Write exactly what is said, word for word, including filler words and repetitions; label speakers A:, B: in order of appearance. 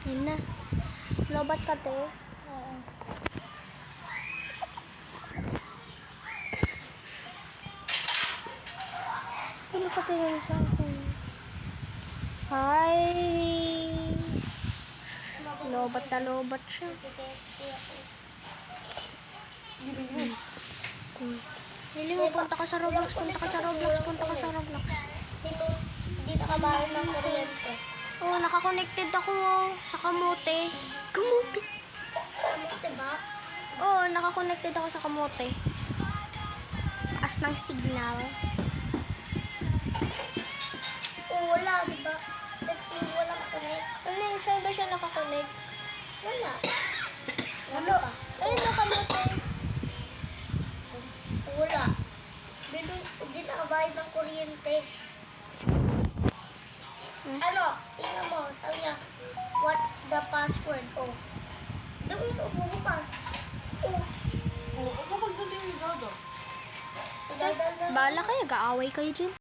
A: Yun na. Lobat ka, te.
B: Oo.
A: Ano ka tingin sa akin? Hi! Lobat na lobat siya. Hmm. Lili mo, punta ka sa Roblox, punta ka sa Roblox, punta ka sa Roblox.
B: Hindi, hindi nakabayad ng kuryente.
A: Oo, oh, nakakonected ako oh, sa kamote. Kamote?
B: Diba?
A: Oo, oh, nakakonected ako sa kamote. As ng signal.
B: Oo, wala, diba? That's me, walang connect.
A: Ano yung saan ba siya nakakonect?
B: Wala.
A: Ano? Ayun, nakamote.
B: Wala. Hindi, hindi nakabayad ng kuryente.
A: Hmm?
B: Ano? Tingnan mo. Sabi niya, what's the password? Oh. Hindi mo bubukas. Oh.
C: Oo, kapag dating ni Dodo.
B: Dadal na.
A: Bahala kayo, gaaway kayo dyan.